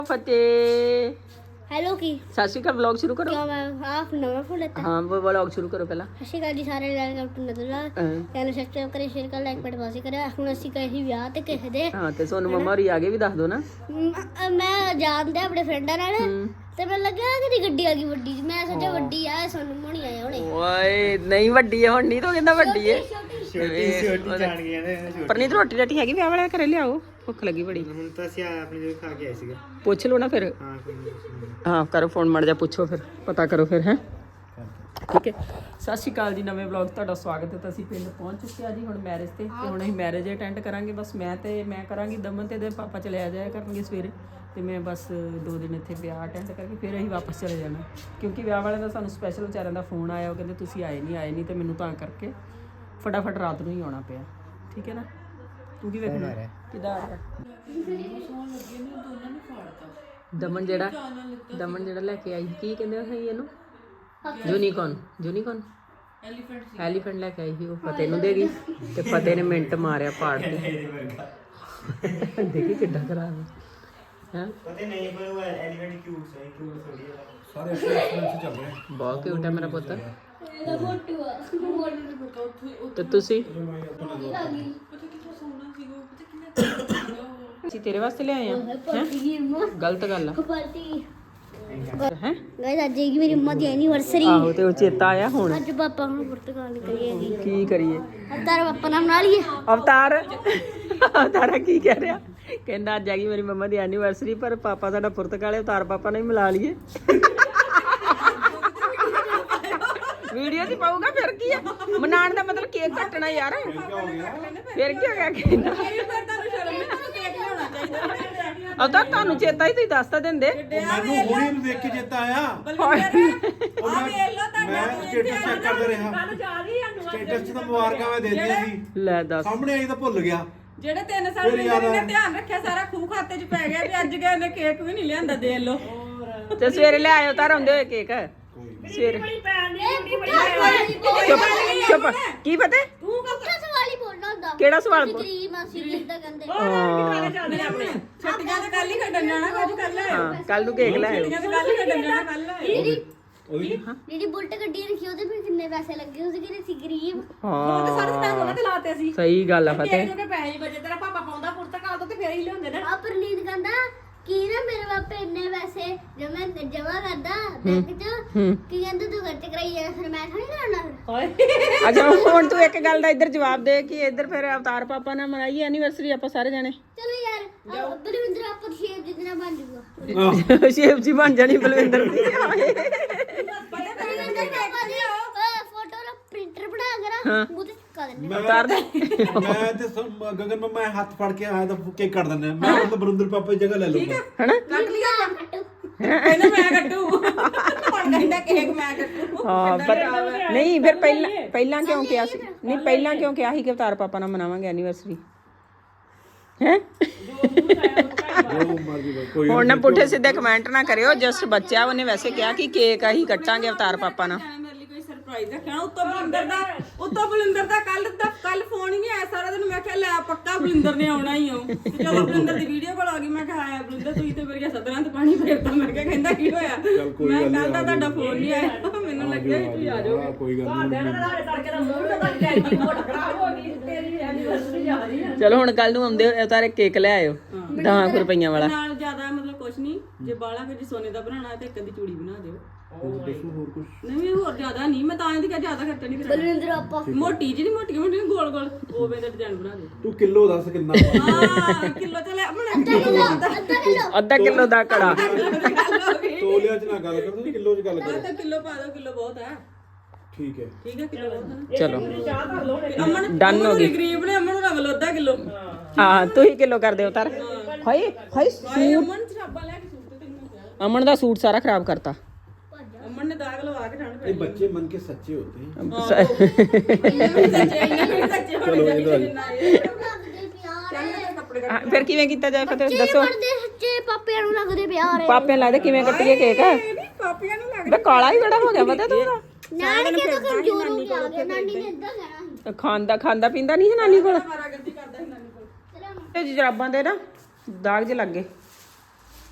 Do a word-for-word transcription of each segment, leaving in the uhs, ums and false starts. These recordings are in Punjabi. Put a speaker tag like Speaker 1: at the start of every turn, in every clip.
Speaker 1: फतेह
Speaker 2: हेलो की
Speaker 1: सत श्री अकाल व्लॉग शुरू करो
Speaker 2: क्या मैं आप नवा फोन लेता
Speaker 1: हाँ वो व्लॉग शुरू करो पहला
Speaker 2: ਸਤਿ ਸ਼੍ਰੀ ਅਕਾਲ ਜੀ ਸਾਰੇ welcome to Nadar vlog channel subscribe ਕਰੇ ਸ਼ੇਅਰ ਕਰ ਲਾਈਕ ਬਟਨ ਵਾਸੀ ਕਰੇ ਹੁਣ ਅਸੀਂ ਗਏ ਸੀ ਵਿਆਹ ਤੇ ਕਿਸੇ ਦੇ
Speaker 1: ਹਾਂ ਤੇ ਸੋਨੂੰ ਮੰਮਾ ਹੋਰੀ ਆ ਗਏ ਵੀ ਦੱਸ ਦੋ ਨਾ
Speaker 2: ਮ- ਮੈਂ ਜਾਣਦੇ ਆਪਣੇ ਫਰੈਂਡਾਂ ਨਾਲ ਤੇ ਮੈਂ ਲੱਗਿਆ ਕਿ ਗੱਡੀ ਆ ਗਈ ਵੱਡੀ ਜਿਹੀ। ਮੈਂ ਸੋਚਿਆ ਵੱਡੀ ਆ ਸੋਨੂੰ ਮੋਣੀ ਆਏ ਹੋਣੇ
Speaker 1: ਓਏ ਨਹੀਂ ਵੱਡੀ ਹੈ ਹੁਣ ਨਹੀਂ ਤਾਂ ਕਹਿੰਦਾ ਵੱਡੀ ਹੈ
Speaker 2: ਛੋਟੀ
Speaker 3: ਛੋਟੀ ਜਾਣ ਗਈਆਂ ਨੇ
Speaker 1: ਪਰਨੀਤ ਰੋਟੀ ਰਾਟੀ ਹੈਗੀ ਵਿਆਹ ਵਾਲਿਆਂ ਘਰੇ ਲਿਆਓ ਭੁੱਖ ਲੱਗੀ ਬੜੀ
Speaker 3: ਹੁਣ ਤਾਂ ਅਸੀਂ ਆਪਣੀ ਜਗ੍ਹਾ ਖਾ ਕੇ ਆਏ ਸੀਗੇ
Speaker 1: ਪੁੱਛ ਲਓ ਨਾ ਫਿਰ
Speaker 3: ਹਾਂ ਕੋਈ ਨੀ।
Speaker 1: ਹਾਂ ਕਰੋ ਫੋਨ ਮੜ ਜਾ ਪੁੱਛੋ ਫਿਰ ਪਤਾ ਕਰੋ ਫਿਰ ਹੈ ਠੀਕ ਹੈ ਸਤਿ ਸ਼੍ਰੀ ਅਕਾਲ ਜੀ ਨਵੇਂ ਵਲੌਗ ਤੁਹਾਡਾ ਸਵਾਗਤ ਹੈ ਤਾਂ ਅਸੀਂ ਪਿੰਡ ਪਹੁੰਚ ਚੁੱਕੇ ਆ ਜੀ ਹੁਣ ਮੈਰਿਜ ਤੇ ਤੇ ਹੁਣ ਅਸੀਂ ਮੈਰਿਜ ਅਟੈਂਡ ਕਰਾਂਗੇ ਬਸ ਮੈਂ ਤੇ ਮੈਂ ਕਰਾਂਗੀ ਦਮਨ ਤੇ ਦੇ ਪਾਪਾ ਚਲੇ ਆ ਜਾਇਆ ਕਰਨਗੇ ਸਵੇਰੇ ਤੇ ਮੈਂ ਬਸ ਦੋ ਦਿਨ ਇੱਥੇ ਵਿਆਹ ਅਟੈਂਡ ਕਰਕੇ ਫਿਰ ਅਸੀਂ ਵਾਪਸ ਚਲੇ ਜਾਣਾ ਕਿਉਂਕਿ ਵਿਆਹ ਵਾਲਿਆਂ ਦਾ ਸਾਨੂੰ ਸਪੈਸ਼ਲ ਵਿਚਾਰਿਆਂ ਦਾ ਫੋਨ ਆਇਆ ਉਹ ਕਹਿੰਦੇ ਤੁਸੀਂ ਆਏ ਨਹੀਂ ਆਏ ਨਹੀਂ ਤੇ ਮੈਨੂੰ ਤਾਂ ਕਰਕੇ ਫਟਾਫਟ ਰਾਤ ਨੂੰ ਹੀ ਆਉਣਾ ਪਿਆ ਠੀਕ ਹੈ ਨਾ ਤੂੰ ਕੀ ਵੇਖਣਾ ਕਿੱਦਾਂ ਆ ਰਿਹਾ ਦਮਨ ਜਿਹੜਾ ਦਮਨ ਜਿਹੜਾ ਲੈ ਕੇ ਆਈ ਕੀ ਕਹਿੰਦੇ ਸੀ ਇਹਨੂੰ ਯੂਨੀਕੌਰਨ ਯੂਨੀਕੌਰਨ ਐਲੀਫੈਂਟ ਐਲੀਫੈਂਟ ਲੈ ਕੇ ਆਈ ਸੀ ਉਹ ਫਤਿਹ ਨੂੰ ਦੇ ਗਈ ਤੇ ਫਤਿਹ ਨੇ ਮਿੰਟ ਮਾਰਿਆ ਪਾੜ ਕੇ ਦੇਖੀ ਕਿੱਡਾ ਖਰਾਬ ਹੈ ਹੈ
Speaker 3: ਪਤਾ ਨਹੀਂ ਪਰ ਉਹ ਐਲੀਫੈਂਟ ਕਿਊਟ ਹੈ ਕਿਊਟ ਥੋੜੀ ਹੈ
Speaker 4: ਸਾਰੇ ਐਕਸਪੀਰੀਅੰਸ ਚੱਲ ਰਹੇ
Speaker 1: ਬਹੁਤ ਕਿਊਟ ਹੈ ਮੇਰਾ ਪੁੱਤ
Speaker 2: ਇਹਦਾ ਮੋਟੂ ਆ ਮੋਟੂ
Speaker 1: ਤੇ ਤੁਸੀਂ ਅਸੀਂ ਤੇਰੇ ਵਾਸਤੇ ਲਿਆਏ ਆ
Speaker 2: ਪੱਟੀ ਅੰਮਾ
Speaker 1: ਗਲਤ ਗੱਲ ਆ
Speaker 2: ਪੱਟੀ
Speaker 1: ਹੈ
Speaker 2: ਗਾਇਸ ਅੱਜ ਹੈਗੀ ਮੇਰੀ ਅੰਮਾ ਦੀ ਐਨੀਵਰਸਰੀ
Speaker 1: ਆਹੋ ਤੇ ਉਹ ਚੇਤਾ ਆਇਆ ਹੁਣ
Speaker 2: ਅੱਜ ਪਾਪਾ ਨੂੰ ਪੁਰਤਗਾਲ ਨਿਕਲੀਏਗੀ
Speaker 1: ਕੀ ਕਰੀਏ
Speaker 2: ਅਵਤਾਰ ਪਾਪਾ ਨਾਲ ਬਣਾ ਲਈਏ
Speaker 1: ਅਵਤਾਰ ਅਵਤਾਰਾ ਕੀ ਕਹਿ ਰਿਹਾ ਕਹਿੰਦਾ ਅੱਜ ਆ ਗਈ ਮੇਰੀ ਮੰਮਾ ਦੀ ਐਨੀਵਰਸਰੀ ਪਰ ਪਾਪਾ ਸਾਡਾ ਪੁਰਤਗਾਲ ਹੈ ਅਵਤਾਰ ਪਾਪਾ ਨਾਲ ਹੀ ਮਿਲਾ ਲਈਏ ਵੀਡੀਓ ਤੇ ਪਾਊਗਾ ਫਿਰ ਕੀ ਆ ਮਨਾਉਣ ਦਾ ਮਤਲਬ ਕੇਕ ਕੱਟਣਾ ਯਾਰ ਫਿਰ ਕੀ ਹੋ ਗਿਆ ਕਹਿੰਦਾ ਅਵਤਾਰ ਤੁਹਾਨੂੰ ਚੇਤਾ ਹੀ ਤੁਸੀਂ ਦੱਸ ਤਾਂ ਦਿੰਦੇ
Speaker 4: ਮੈਨੂੰ ਹੁਣੇ ਨੂੰ ਦੇਖ ਕੇ ਚੇਤਾ ਆਇਆ ਉਹ ਮੈਂ ਮੈਂ ਸਟੇਟਸ ਚੈੱਕ ਕਰਦਾ ਰਿਹਾ ਸਟੇਟਸ 'ਚ ਤਾਂ ਮੁਬਾਰਕਾਂ ਮੈਂ ਦੇ ਦਿੱਤੀਆਂ ਸੀ
Speaker 1: ਲੈ ਦੱਸ
Speaker 4: ਸਾਹਮਣੇ ਆਈ ਤਾਂ ਭੁੱਲ ਗਿਆ
Speaker 5: ਜਿਹੜੇ ਤਿੰਨ ਸਾਲ ਪਹਿਲਾਂ ਨੇ ਧਿਆਨ ਰੱਖਿਆ ਸਾਰਾ ਖੂਹ ਖਾਤੇ 'ਚ ਪੈ ਗਿਆ ਵੀ ਅੱਜ ਗਏ ਨੇ ਕੇਕ ਵੀ ਨਹੀਂ ਲਿਆਂਦਾ ਦੇ ਲੋ
Speaker 1: ਤੇ ਸਵੇਰੇ ਲੈ ਆਇਓ ਤਾਂ ਆਉਂਦੇ ਹੋਏ ਕੇਕ ਸਵੇਰੇ ਚੁੱਪ ਚੁੱਪ ਕੀ ਪਤਾ
Speaker 2: ਤੂੰ ਕੱਪੜਾ ਸਵਾਲ ਹੀ ਬੋਲਣਾ ਹੁੰਦਾ
Speaker 1: ਕਿਹੜਾ ਸਵਾਲ ਪੁੱਛ-
Speaker 2: ਗਰੀਬ ਮਾਸੀ ਜੀ ਦਾ ਕਹਿੰਦੇ
Speaker 5: ਛੁੱਟੀਆਂ ਤੇ ਕੱਲ ਹੀ ਕੱਢਣ ਜਾਣਾ ਕੁਝ ਕੱਲ
Speaker 1: ਹਾਂ ਕੱਲ ਨੂੰ ਕੇਕ ਲੈ ਆਇਓ
Speaker 5: ਛੁੱਟੀਆਂ ਤੇ ਕੱਲ ਹੀ ਕੱਢਣ ਜਾਣਾ ਕੱਲ
Speaker 2: ਜਿਹੜੀ ਬੁਲਟ ਗੱਡੀ ਰੱਖੀ ਉਹਦੇ ਵੀ ਕਿੰਨੇ ਪੈਸੇ ਲੱਗੇ ਉਸ ਕਿਹਨੇ ਸੀ ਗਰੀਬ
Speaker 1: ਹਾਂ
Speaker 5: ਤੇ ਸਾਰੇ ਪੈਸੇ ਉਹਨਾਂ ਤੇ ਲਾਤੇ ਸੀ
Speaker 1: ਸਹੀ ਗੱਲ ਆ ਫਤਿਹ
Speaker 5: ਜੋ ਕਿ ਪੈਸੇ ਬਜੇ ਤੇਰਾ ਪਾਪਾ ਪਾਉਂਦਾ ਪੁਰਤਕਾਲ ਤੋਂ ਤੇ ਫੇਰ ਹੀ ਲਿਆਉਂਦੇ ਨੇ
Speaker 2: ਆ ਪ੍ਰਨੀਤ ਕਹਿੰਦਾ ਕੀ ਨਾ ਮੇਰੇ ਬਾਪੇ ਇੰਨੇ ਪੈਸੇ ਜਮਾ ਜਮਾ ਕਰਦਾ ਬੈਂਕ 'ਚ ਕੀ ਕਹਿੰਦਾ ਤੂੰ ਖਰਚ ਕਰਾਈ ਜਾ ਫਿਰ ਮੈਂ ਥੋੜੀ ਕਰਾਉਣਾ ਫਿਰ
Speaker 1: ਅੱਛਾ ਹੁਣ ਤੂੰ ਇੱਕ ਗੱਲ ਦਾ ਇੱਧਰ ਜਵਾਬ ਦੇ ਕਿ ਇੱਧਰ ਫਿਰ ਅਵਤਾਰ ਪਾਪਾ ਨਾਲ ਮਨਾਈਏ ਐਨੀਵਰਸਰੀ ਆਪਾਂ ਸਾਰੇ ਜਾਣੇ
Speaker 2: ਚਲੋ ਯਾਰ ਬਲਵਿੰਦਰ ਆਪਾਂ ਸ਼ੇਪ ਜਿੰਨਾ ਬਣ ਜੂਗਾ
Speaker 1: ਸ਼ੇਪ ਜੀ ਬਣ ਜਾਣੀ ਬਲਵਿੰਦਰ ਦੀ
Speaker 2: ਬਲਵਿੰਦਰ ਪਾਪਾ ਦੀ ਫੋਟੋ ਦਾ ਪ੍ਰਿੰਟਰ ਬਣਾ ਕੇ ਨਾ ਮੂੰਹ ਤੇ ਚਿਪਕਾ ਦਿੰਦੇ
Speaker 1: ਅਵਤਾਰ ਦੇ
Speaker 4: ਮੈਂ ਤੇ ਸਮ- ਗਗਨ ਨੂੰ ਮੈਂ ਹੱਥ ਫੜ ਕੇ ਆਇਆ ਤਾਂ ਕੇਕ ਕੱਟ ਦਿੰਦਾ ਮੈਂ ਮਤਲਬ ਬਰਿੰਦਰ ਪਾਪਾ ਦੀ ਜਗ੍ਹਾ ਲੈ ਲਊਗਾ
Speaker 1: ਹਨਾ
Speaker 5: ਕੱਟ ਲਿਆ
Speaker 2: ਕੱਟੂ
Speaker 5: ਕਹਿੰਦਾ ਮੈਂ ਕੱਟੂ ਹੁਣ ਕਹਿੰਦਾ ਕੇਕ ਮੈਂ ਕੱਟੂ
Speaker 1: ਹਾਂ ਪਤਾ ਨਹੀਂ ਫਿਰ ਪਹਿਲਾਂ ਪਹਿਲਾਂ ਕਿਉਂ ਕਿਹਾ ਸੀ ਨਹੀਂ ਪਹਿਲਾਂ ਕਿਉਂ ਕਿਹਾ ਸੀ ਕਿ ਅਵਤਾਰ ਪਾਪਾ ਨਾਲ ਮਨਾਵਾਂਗੇ ਐਨੀਵਰਸਰੀ ਹੈ
Speaker 4: ਜੋ ਮਰਜ਼ੀ ਬੋਲ, ਕੋਈ
Speaker 1: ਹੁਣ ਨਾ ਪੁੱਠੇ ਸਿੱਧੇ ਕਮੈਂਟ ਨਾ ਕਰਿਓ ਜਸਟ ਬੱਚਾ ਉਹਨੇ ਵੈਸੇ ਕਿਹਾ ਕਿ ਕੇਕ ਅਸੀਂ ਕੱਟਾਂਗੇ ਅਵਤਾਰ ਪਾਪਾ ਨਾਲ
Speaker 5: ਮੇਰੇ ਲਈ ਕੋਈ ਸਰਪ੍ਰਾਈਜ਼ ਰੱਖਣਾ ਉੱਤੋਂ ਬਲਿੰਦਰ ਦਾ ਉੱਤੋਂ ਬਲਿੰਦਰ ਦਾ ਕੱਲ ਦਾ ਕੱਲ ਫੋਨ ਹੀ ਨਹੀਂ ਆਇਆ ਸਾਰਾ ਦਿਨ ਮੈਂ ਕਿਹਾ ਲੈ ਪੱਕਾ ਬਲਿੰਦਰ ਨੇ ਆਉਣਾ ਹੀ ਹੋ ਜਦੋਂ ਬਲਿੰਦਰ ਦੀ ਵੀਡੀਓ ਕਾਲ ਆ ਗਈ ਮੈਂ ਕਿਹਾ ਆਇਆ ਬਲਿੰਦਰ ਤੁਸੀਂ ਤੇ ਮੇਰੀਆਂ ਸਦਰਾਂ ਤੇ ਪਾਣੀ ਫੇਰਦਾ ਮੈਂ ਕਿਹਾ ਕਹਿੰਦਾ ਕੀ ਹੋਇਆ ਮੈਂ ਕੱਲ ਦਾ ਤੁਹਾਡਾ ਫੋਨ ਨਹੀਂ ਆਇਆ ਮੈਨੂੰ ਲੱਗਿਆ ਵੀ ਤੁਸੀਂ ਆ ਜਾਓਗੇ
Speaker 4: ਹਾਂ, ਕੋਈ ਗੱਲ ਨਹੀਂ
Speaker 1: ਚਲੋ ਹੁਣ ਕੱਲ ਨੂੰ ਆਉਂਦੇ ਅਵਤਾਰ ਕੇਕ ਲੈ ਆਇਓ ਦਸ ਰੁਪਈਆਂ ਵਾਲਾ
Speaker 5: ਨਾਲ ਜ਼ਿਆਦਾ ਮਤਲਬ ਕੁਛ ਨਹੀਂ ਜੇ ਬਾਲਾ ਕੁਝ ਸੋਨੇ ਦਾ ਬਣਾਉਣਾ ਤੇ ਇੱਕ ਅੱਧੀ ਚੂੜੀ ਬਣਾ ਦਿਓ
Speaker 4: ਦੱਸੋ ਹੋਰ ਕੁਝ
Speaker 5: ਨਹੀਂ ਹੋਰ ਜ਼ਿਆਦਾ ਨਹੀਂ ਮੈਂ ਤਾਂ ਇਹਦੀ ਕਿਹਾ ਜ਼ਿਆਦਾ ਖਰਚਾ ਨਹੀਂ ਕਰਾਉਣਾ
Speaker 2: ਬਲਵਿੰਦਰ ਆਪਾਂ
Speaker 5: ਮੋਟੀ ਜਿਹੀ ਮੋਟੀ ਮੋਟੀ ਗੋਲ ਗੋਲ ਉਹਵੇਂ ਦਾ ਡਿਜ਼ਾਈਨ ਬਣਾ ਦਿਓ
Speaker 4: ਤੂੰ ਕਿਲੋ ਦੱਸ ਕਿੰਨਾ
Speaker 5: ਹਾਂ ਕਿਲੋ ਤੇ ਲੈ ਆਪਣਾ
Speaker 2: ਅੱਧਾ ਕਿਲੋ
Speaker 1: ਅੱਧਾ ਕਿਲੋ ਦਾ ਕੜਾ
Speaker 4: ਤੋਲਿਆਂ 'ਚ ਨਾ ਗੱਲ ਕਰ ਤੁਸੀਂ ਕਿਲੋ 'ਚ ਗੱਲ ਕਰੋ
Speaker 5: ਤਾਂ ਕਿਲੋ ਪਾ ਦਿਓ ਕਿਲੋ ਬਹੁਤ ਹੈ
Speaker 4: ਠੀਕ ਹੈ
Speaker 5: ਠੀਕ ਹੈ ਕਿਲੋ ਬਹੁਤ ਹੈ
Speaker 1: ਚਲੋ
Speaker 5: ਅਮਨ
Speaker 1: Done ਹੋ ਗਈ।
Speaker 5: ਗਰੀਬ ਨੇ ਅਮਨ ਨੂੰ ਰਵਲ ਅੱਧਾ ਕਿਲੋ
Speaker 1: ਹਾਂ ਤੁਸੀਂ ਕਿਲੋ ਕਰ ਦਿਓ ਉਤਾਰ ਹਾਏ ਹਾਏ
Speaker 5: ਹਾਏ ਅਮਨ ਸ਼ਰਾਬਾ ਲੈ ਕੇ ਸੂਟ ਤੇ ਤੈਨੂੰ ਕਿਹਾ
Speaker 1: ਅਮਨ ਦਾ ਸੂਟ ਸਾਰਾ ਖਰਾਬ ਕਰਤਾ
Speaker 5: ਅਮਨ ਨੇ ਦਾਗ ਲਵਾ ਕੇ ਠੰਡ
Speaker 4: ये बच्चे मन के सच्चे होते हैं
Speaker 5: ਪੈ ਸੱਚੇ ਸੱਚੇ
Speaker 4: ਚਲੋ ਇਹ ਗੱਲ
Speaker 2: ਲੱਗਦੇ ਪਿਆਰ
Speaker 5: ਕੱਪੜੇ
Speaker 1: ਹਾਂ, ਫਿਰ ਕਿਵੇਂ ਕੀਤਾ ਜਾਏ ਫਤਿਹ ਦੱਸੋ
Speaker 2: ਪੜਦੇ ਸੱਚੇ ਪਾਪਿਆਂ ਨੂੰ ਲੱਗਦੇ ਪਿਆਰ
Speaker 1: ਪਾਪੇ ਲੱਗਦਾ ਕਿਵੇਂ ਕੱਟੀਏ ਕੇਕ
Speaker 5: ਨਹੀਂ ਪਾਪੀਆਂ ਨੂੰ ਲੱਗ
Speaker 1: ਬੇ ਕਾਲਾ ਹੀ ਬੜਾ ਹੋ ਗਿਆ ਪਤਾ ਤੂੰ
Speaker 2: ਨਾਨਕੇ ਤਾਂ ਕਮਜ਼ੋਰ ਹੋ ਕੇ ਆ ਗਏ ਨਾਨੀ ਨੇ ਇਦਾਂ ਕਹਿਣਾ ਸੀ
Speaker 1: ਖਾਂਦਾ ਖਾਂਦਾ ਪੀਂਦਾ ਨਹੀਂ ਸੀ ਨਾਨੀ ਕੋਲ
Speaker 5: ਮਾਰਾ ਗੰਦੀ ਕਰਦਾ ਸੀ ਨਾਨੀ ਕੋਲ
Speaker 1: ਤੇ ਜਰਾਬਾਂ ਦੇ ਨਾ ਦਾਗ ਜੇ ਲੱਗ ਗਏ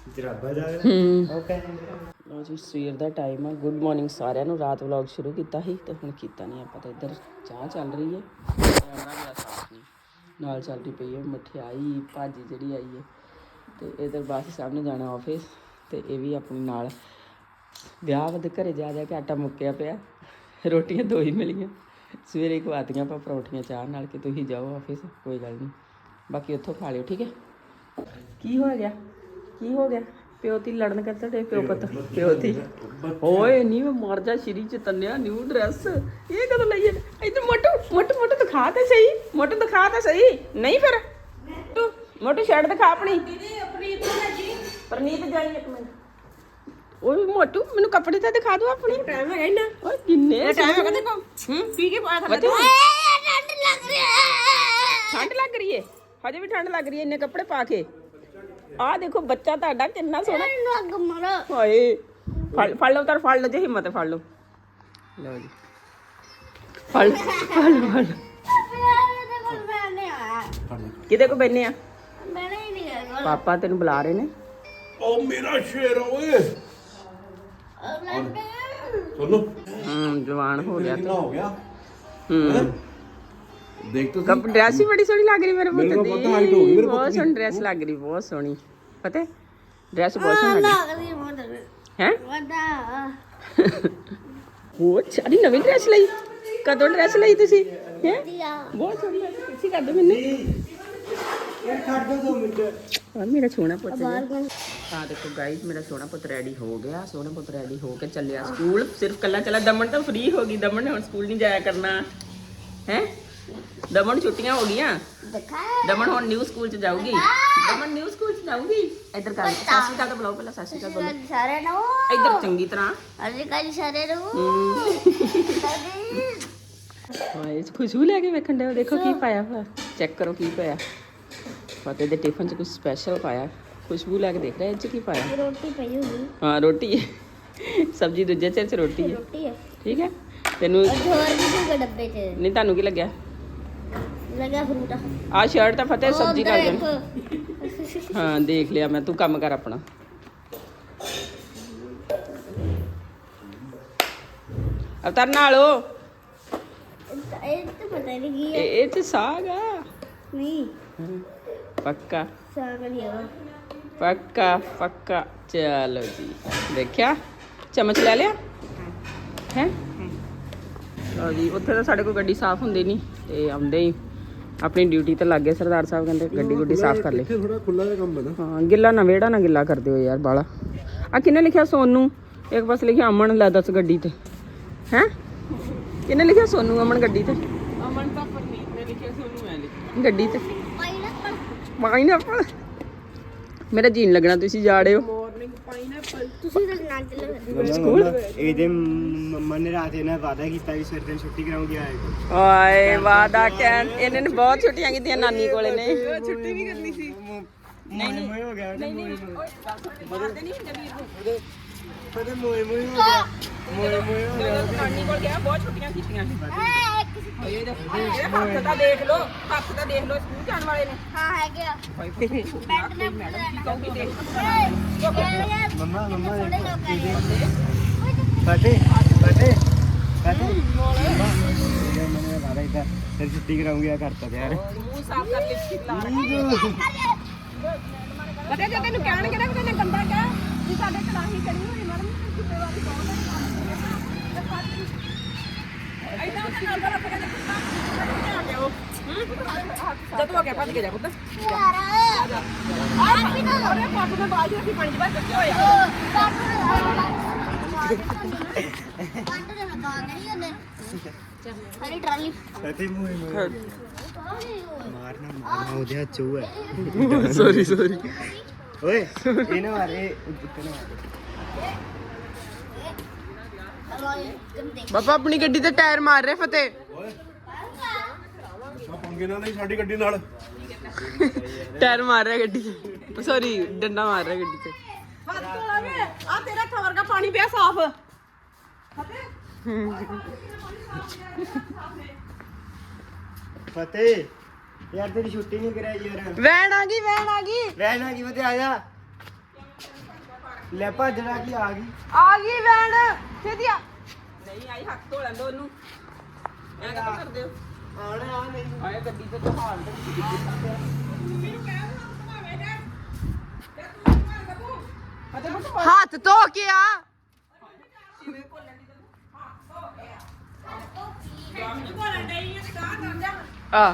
Speaker 3: ਜਰਾਬਾ ਜਾ
Speaker 1: ਹੂੰ
Speaker 3: ਓਕੇ
Speaker 1: ਲੋ ਜੀ ਸਵੇਰ ਦਾ ਟਾਈਮ ਆ। ਗੁੱਡ ਮਾਰਨਿੰਗ ਸਾਰਿਆਂ ਨੂੰ। ਰਾਤ ਵਲੌਗ ਸ਼ੁਰੂ ਕੀਤਾ ਸੀ ਤੇ ਹੁਣ ਕੀਤਾ ਨਹੀਂ ਆਪਾਂ। ਤਾਂ ਇੱਧਰ ਚਾਹ ਚੱਲ ਰਹੀ ਹੈ, ਕੈਮਰਾ ਮੇਰਾ ਸਾਫ ਨਹੀਂ, ਨਾਲ ਚੱਲਦੀ ਪਈ ਹੈ ਮਠਿਆਈ ਭਾਜੀ ਜਿਹੜੀ ਆਈ ਹੈ। ਤੇ ਇੱਧਰ ਬਾਸੀ ਸਾਹਿਬ ਨੇ ਜਾਣਾ ਆਫਿਸ ਤੇ ਇਹ ਵੀ ਆਪਣੇ ਨਾਲ। ਵਿਆਹ ਦੇ ਘਰੇ ਜਾ ਜਾ ਕੇ ਆਟਾ ਮੁੱਕਿਆ ਪਿਆ, ਰੋਟੀਆਂ ਦੋ ਹੀ ਮਿਲੀਆਂ। ਸਵੇਰੇ ਖਵਾਤੀਆਂ ਆਪਾਂ ਪਰੌਂਠੀਆਂ ਚਾਹ ਨਾਲ ਕਿ ਤੁਸੀਂ ਜਾਓ ਆਫਿਸ, ਕੋਈ ਗੱਲ ਨਹੀਂ, ਬਾਕੀ ਉੱਥੋਂ ਖਾ ਲਿਓ, ਠੀਕ ਹੈ। ਕੀ ਹੋ ਗਿਆ ਕੀ ਹੋ ਗਿਆ? ਪਿਓ ਤੀ ਲੜਨ ਕਰਦਾ ਤੇ ਪਿਓ ਪੁੱਤ ਪਿਓ ਤੀ ਓਏ ਨਹੀਂ ਮੈਂ ਮਰ ਜਾ ਸ਼੍ਰੀ ਚਤਨਿਆ ਨਿਊ ਡਰੈਸ ਇਹ ਕਦੋਂ ਲਈ ਹੈ? ਇੱਧਰ ਮੋਟੂ ਮੋਟੂ ਮੋਟੂ ਦਿਖਾ ਤੇ ਸਹੀ, ਮੋਟੂ ਦਿਖਾ ਤੇ ਸਹੀ। ਨਹੀਂ ਫਿਰ ਤੂੰ ਮੋਟੂ ਸ਼ਰਟ ਦਿਖਾ ਆਪਣੀ। ਪਰਨੀਤ ਜਾਈ ਇੱਕ ਮਿੰਟ। ਓਏ ਮੋਟੂ ਮੈਨੂੰ ਕੱਪੜੇ ਤਾਂ ਦਿਖਾ ਦੋ ਆਪਣੀ। ਟਾਈਮ ਹੈਗਾ ਇੰਨਾ? ਓਏ ਕਿੰਨੇ ਟਾਈਮ ਹੈਗਾ ਦੇਖੋ। ਹੂੰ ਪੀ ਕੇ ਪਾਇਆ ਥੱਲੇ।
Speaker 2: ਠੰਡ ਲੱਗ ਰਹੀ ਹੈ।
Speaker 1: ਠੰਡ ਲੱਗ ਰਹੀ ਹੈ? ਹਜੇ ਵੀ ਠੰਡ ਲੱਗ ਰਹੀ ਹੈ ਇੰਨੇ ਕੱਪੜੇ ਪਾ ਕੇ? ਆਹ ਦੇਖੋ ਬੱਚਾ ਤੁਹਾਡਾ ਕਿੰਨਾ ਸੋਹਣਾ।
Speaker 2: ਲੱਗ ਮਾਰੋ।
Speaker 1: ਹਾਏ ਫੜ ਫੜ ਲਓ ਤਾਂ ਫੜ ਲਓ, ਜੇ ਹਿੰਮਤ ਫੜ ਲਓ। ਲਓ ਜੀ ਫੜ ਲਓ, ਫੜ ਲਓ, ਫੜ ਲਓ। ਕਿਤੇ ਕੋ ਬੈਨੇ ਆ?
Speaker 2: ਮੈਂ ਨਹੀਂ ਨਿਕਲ
Speaker 1: ਪਾਪਾ ਤੈਨੂੰ ਬੁਲਾ ਰਹੇ ਨੇ।
Speaker 4: ਉਹ ਮੇਰਾ ਸ਼ੇਰ ਓਏ ਸੋਨੂ
Speaker 1: ਹੂੰ ਜਵਾਨ ਹੋ ਗਿਆ
Speaker 4: ਕਿੰਨਾ ਹੋ ਗਿਆ।
Speaker 1: ਹੂੰ
Speaker 4: ਦੇਖ ਤੂੰ
Speaker 1: ਕੱਪ ਡਰੈਸ ਹੀ ਬੜੀ ਸੋਹਣੀ ਲੱਗ ਰਹੀ ਮੇਰੇ
Speaker 4: ਮੇਰੇ
Speaker 1: ਪੁੱਤ
Speaker 4: ਕੋਲ
Speaker 1: ਦੀ।
Speaker 4: ਪਤਾ height ਹੋ ਗਈ ਮੇਰੇ ਪੁੱਤ
Speaker 1: ਬਹੁਤ
Speaker 4: ਦੀ।
Speaker 1: ਸੋਹਣੀ ਡਰੈਸ ਲੱਗ ਰਹੀ, ਬਹੁਤ ਸੋਹਣੀ। ਪਤਾ ਡਰੈਸ ਬਹੁਤ ਸੋਹਣੀ ਲੱਗ ਰਹੀ ਹੈ।
Speaker 2: ਵਦਾ
Speaker 1: ਬਹੁਤ ਸਾਰੀ ਨਵੀਂ ਡਰੈਸ ਲਈ। ਕਦੋਂ ਡਰੈਸ ਲਈ ਤੁਸੀਂ? ਹੈ
Speaker 2: ਦਿਆ
Speaker 1: ਬਹੁਤ ਸੋਹਣੀ ਲੱਗ ਰਹੀ। ਤੁਸੀਂ ਕਰ ਦਿਓ ਮੈਨੂੰ।
Speaker 3: ਯਾਰ ਛੱਡ ਦੋ ਦੋ ਮਿੰਟ।
Speaker 1: ਆ ਮੇਰਾ ਸੋਹਣਾ ਪੁੱਤ ਜੀ।
Speaker 2: ਬਾਹਰ ਗਏ।
Speaker 1: ਆ ਦੇਖੋ ਗਾਈਸ ਮੇਰਾ ਸੋਹਣਾ ਪੁੱਤ ਰੈਡੀ ਹੋ ਗਿਆ। ਸੋਹਣਾ ਪੁੱਤ ਰੈਡੀ ਹੋ ਕੇ ਚੱਲਿਆ ਸਕੂਲ। ਸਿਰਫ ਕੱਲਾ ਚੱਲਾ। ਦਮਨ ਤਾਂ ਫ੍ਰੀ ਹੋ ਗਈ। ਦਮਨ ਨੇ ਹੁਣ ਸਕੂਲ ਨਹੀਂ ਜਾਇਆ ਕਰਨਾ ਹੈ। ਦਮਨ ਨੂੰ ਛੁੱਟੀਆਂ ਹੋ ਗਈਆਂ।
Speaker 2: ਦਿਖਾ
Speaker 1: ਦਮਨ ਹੁਣ ਨਿਊ ਸਕੂਲ ਚ ਜਾਊਗੀ। ਦਮਨ ਨਿਊ ਸਕੂਲ ਚ ਜਾਊਗੀ। ਇੱਧਰ ਕਰ ਸਤਿ ਸ਼੍ਰੀ ਅਕਾਲ ਤਾਂ ਬੁਲਾਓ ਪਹਿਲਾਂ। ਸਤਿ ਸ਼੍ਰੀ ਅਕਾਲ ਬੋਲੋ
Speaker 2: ਸਾਰੇ ਨੂੰ
Speaker 1: ਇੱਧਰ ਚੰਗੀ ਤਰ੍ਹਾਂ।
Speaker 2: ਅਰੇ ਕਾਲੀ ਸਾਰੇ ਨੂੰ
Speaker 1: ਹਾਏ ਖੁਸ਼ਬੂ ਲੈ ਕੇ ਵੇਖਣ ਦੇ। ਦੇਖੋ ਕੀ ਪਾਇਆ ਹੋਇਆ, ਚੈੱਕ ਕਰੋ ਕੀ ਪਾਇਆ। ਫਤਿਹ ਦੇ ਟਿਫਨ ਚ ਕੁਝ ਸਪੈਸ਼ਲ ਪਾਇਆ। ਖੁਸ਼ਬੂ ਲੈ ਕੇ ਦੇਖ ਰਿਹਾ ਇਹ ਚ ਕੀ ਪਾਇਆ।
Speaker 2: ਰੋਟੀ ਪਈ ਹੋਈ
Speaker 1: ਹਾਂ ਰੋਟੀ ਹੈ। ਸਬਜ਼ੀ ਦੂਜੇ ਚ ਰੋਟੀ ਹੈ।
Speaker 2: ਰੋਟੀ ਹੈ
Speaker 1: ਠੀਕ ਹੈ ਤੈਨੂੰ।
Speaker 2: ਔਰ ਹੋਰ ਵੀ ਕੋਈ ਡੱਬੇ ਚ
Speaker 1: ਨਹੀਂ ਤੁਹਾਨੂੰ ਕੀ ਲੱਗਿਆ?
Speaker 2: ਲਗਾ ਫਰੂਟ
Speaker 1: ਆ ਸ਼ਰਟ ਤਾਂ ਫਤਿਹ ਸਬਜ਼ੀ ਕਰ ਦੇਣ।
Speaker 2: ਦੇਖ
Speaker 1: ਹਾਂ ਦੇਖ ਲਿਆ ਮੈਂ। ਤੂੰ ਕੰਮ ਕਰ ਆਪਣਾ। ਅਵਤਾਰ ਨਾਲੋ
Speaker 2: ਇਹ ਤਾਂ ਪਤਾ ਨਹੀਂ ਕੀ ਹੈ।
Speaker 1: ਇਹ ਚ ਸਾਗ ਆ।
Speaker 2: ਨਹੀਂ
Speaker 1: ਪੱਕਾ
Speaker 2: ਸਾਗ ਨਹੀਂ ਹੈ।
Speaker 1: ਪੱਕਾ ਪੱਕਾ। ਚਲੋ ਜੀ ਦੇਖਿਆ। ਚਮਚ ਲੈ ਲਿਆ ਹੈ। ਲਓ ਜੀ ਉੱਥੇ ਤਾਂ ਸਾਡੇ ਕੋਲ ਗੱਡੀ ਸਾਫ਼ ਹੁੰਦੀ ਨਹੀਂ ਤੇ ਆਉਂਦੇ ਹੀ ਆਪਣੀ ਡਿਊਟੀ ਤੇ ਲੱਗ ਗਏ। ਸਰਦਾਰ ਸਾਹਿਬ ਕਹਿੰਦੇ ਗੱਡੀ ਗੁੱਡੀ ਸਾਫ਼ ਕਰ ਲਈ।
Speaker 4: ਇੱਥੇ ਥੋੜਾ ਖੁੱਲਾ ਜਿਹਾ ਕੰਮ ਹੈ ਨਾ।
Speaker 1: ਹਾਂ ਗਿੱਲਾ ਨਾ ਵਿਹੜਾ ਨਾ ਗਿੱਲਾ ਕਰ ਦਿਓ ਯਾਰ ਬਾਲਾ। ਆ ਕਿਹਨੇ ਲਿਖਿਆ ਸੋਨੂ? ਇੱਕ ਪਾਸੇ ਲਿਖਿਆ ਅਮਨ। ਲੈ ਦੱਸ ਗੱਡੀ ਤੇ ਹੈ ਕਿਹਨੇ ਲਿਖਿਆ ਸੋਨੂ ਅਮਨ ਗੱਡੀ ਤੇ? ਅਮਨ ਤਾਂ ਪਰਨੀਤ ਨੇ ਲਿਖਿਆ, ਸੋਨੂ ਮੈਂ ਲਿਖਿਆ ਗੱਡੀ ਤੇ।
Speaker 2: ਪਾਈਨਐਪਲ
Speaker 1: ਪਾਈਨਐਪਲ ਮੇਰਾ ਜੀਨ ਲੱਗਣਾ। ਤੁਸੀਂ ਜਾ ਰਹੇ ਹੋ
Speaker 5: ਮਾਰਨਿੰਗ ਪਾਈਨਐਪਲ।
Speaker 2: ਤੁਸੀਂ ਤਾਂ ਨਾ ਚੱਲੋ।
Speaker 1: ਸਕੂਲ?
Speaker 3: ਇਹਦੇ ਮੰਮਾ ਨੇ ਰਾਤ ਇਹਨਾਂ ਵਾਅਦਾ ਕੀਤਾ ਕਿ ਸਵੇਰ ਦਿਨ ਛੁੱਟੀ ਕਰਾਉਂਗੀ ਆਏਗਾ।
Speaker 1: ਓਏ ਵਾਦਾ ਕਹਿਣ ਇਹਨੇ ਨੇ ਬਹੁਤ ਛੁੱਟੀਆਂ ਕੀਤੀਆਂ ਨਾਨੀ ਕੋਲੇ ਨੇ।
Speaker 5: ਛੁੱਟੀ ਵੀ ਕਰਨੀ ਸੀ।
Speaker 3: ਨਹੀਂ ਨਹੀਂ ਹੋ ਗਿਆ
Speaker 1: ਨਹੀਂ ਨਹੀਂ ਮਾਰਦੇ ਨਹੀਂ ਹੁੰਦੇ ਵੀਰ ਨੂੰ।
Speaker 3: ਪਤਾ ਮੋਏ ਮੋਏ ਹੋ ਗਿਆ। ਮੋਏ ਮੋਏ ਹੋ ਗਿਆ।
Speaker 1: ਜਦੋਂ ਨਾਨੀ ਕੋਲ ਗਿਆ ਬਹੁਤ ਛੁੱਟੀਆਂ ਕੀਤੀਆਂ ਸੀ।
Speaker 2: ਐ ਇੱਕ
Speaker 1: ਇਹਦੇ ਹੱਥ ਤਾਂ ਦੇਖ ਲੋ, ਹੱਥ ਤਾਂ ਦੇਖ ਲੋ ਸਕੂਲ ਜਾਣ ਵਾਲੇ ਨੇ।
Speaker 2: ਹਾਂ ਹੈਗੇ ਆ ਬੈਂਡ ਨੇ
Speaker 1: ਮੈਡਮ ਕਹੂਗੀ ਦੇਖ।
Speaker 3: ਮੰਮਾ ਮੰਮਾ
Speaker 2: ਥੋੜੇ ਲੋਕ ਆਏ
Speaker 3: ਫਤਿਹ ਫਤਿਹ ਫਤਿਹ ਮੈਨੇ ਵਾਅਦਾ ਕੀਤਾ ਫਿਰ ਛੁੱਟੀ ਕਰਾਉਂਗੀ ਆ ਕਰਤਾ ਯਾਰ।
Speaker 1: ਮੂੰਹ ਸਾਫ਼ ਕਰ ਲਿਪਸਟਿਕ ਲਾ ਰੱਖੀ। ਪਤਾ ਜੇ ਤੈਨੂੰ ਕਹਿਣਗੇ ਨਾ ਕਿ ਤੈਨੇ ਗੰਦਾ ਕਿਹਾ ਵੀ ਸਾਡੇ ਕੜਾਹੀ ਚੜੀ ਹੋਈ ਮੈਡਮ ਕਿਤੇ ਵਾਲੀ ਬਹੁਤ ਐਦਾਂ ਉਹਦੇ ਨਾਲ ਦਾ ਰੱਖ ਕੇ ਆ ਗਿਆ ਉਹ। ਜਦੋਂ ਹੋ ਗਿਆ ਭੱਜ ਕੇ ਜਾ ਪੁੱਤ।
Speaker 2: ਯਾਰ ਆ ਵੀ ਨਾ
Speaker 1: ਉਹਨੇ ਪੱਟ ਦੇ ਬਾਅਦ ਅਸੀਂ ਪੰਜ ਵਾਰ ਕੱਟੇ ਹੋਇਆ।
Speaker 2: ਪੰਡ ਦੇ ਮਕਾਨ ਨਹੀਂ ਹੁੰਦੇ ਸਾਰੀ ਟਰਾਲੀ
Speaker 3: ਫਤਿਹ ਮੋਏ ਮੋਏ ਮਾਰਨਾ ਮਾਰਨਾ ਉਹਦੇ ਹੱਥ ਚੋਂ ਹੈ।
Speaker 1: Sorry sorry.
Speaker 3: ਓਏ ਇਹ ਨਾ ਮਾਰੇ ਉੱਤੇ ਨਾ ਮਾਰੇ।
Speaker 1: ਬਾਬਾ ਆਪਣੀ ਗੱਡੀ ਤੇ ਟਾਇਰ ਮਾਰ ਰਹੇ ਫਤਿਹ।
Speaker 4: ਪੰਗੇ ਨਾਲ ਨਹੀਂ ਸਾਡੀ ਗੱਡੀ ਨਾਲ।
Speaker 1: ਟਾਇਰ ਮਾਰ ਰਿਹਾ ਗੱਡੀ ਤੇ। ਸੌਰੀ ਡੰਡਾ ਮਾਰ ਰਿਹਾ ਗੱਡੀ ਤੇ।
Speaker 5: ਹੱਥ ਧੋਲਾ ਵੇ। ਆ ਤੇਰਾ ਹੱਥ ਵਰਗਾ ਪਾਣੀ ਪਿਆ ਸਾਫ਼।
Speaker 3: ਫਤਿਹ ਯਾਰ ਤੇਰੀ ਛੁੱਟੀ ਨਹੀਂ ਕਰਾਈ ਯਾਰ।
Speaker 1: ਵੈਨ ਆ ਗਈ ਵੈਨ ਆ ਗਈ।
Speaker 3: ਰਹਿਣਾ ਕੀ ਫਤਿਹ ਆ ਜਾ। ਲੈ ਭੱਜਣਾ ਕੀ ਆ ਗਈ
Speaker 1: ਆ ਗਈ ਵੈਨ ਛੇਤੀ ਆ
Speaker 5: ਨਹੀਂ ਆਈ ਹੱਥ ਧੋ ਲੈਂਦੋ ਉਹਨੂੰ ਐਂ ਕਿਉਂ ਕਰਦੇ ਹੋ
Speaker 3: ਆਣਾ ਆ ਨਹੀਂ
Speaker 5: ਆਏ ਗੱਡੀ ਤੇ ਜਹਾਜ਼ ਤੇ ਤੁਸੀਂ ਕਿੱਥੇ ਕਰਦੇ ਮੈਨੂੰ ਕਹਿ ਦੋ ਘੁਮਾਵੇ ਜਾ ਤੇ ਤੂੰ ਘੁਮਾ ਬੱਬੂ ਅਤੇ ਬੱਬੂ
Speaker 1: ਹੱਥ ਧੋ ਕੇ ਆ
Speaker 5: ਕਿਵੇਂ ਭੁੱਲਣ ਦੀ ਤੈਨੂੰ ਹੱਥ ਧੋ ਕੇ ਆ ਜਾਮ ਨਹੀਂ ਭੁੱਲਣ ਡਈ ਹੈ ਤੇ ਗਾਂ ਕਰ ਜਾ
Speaker 1: ਆ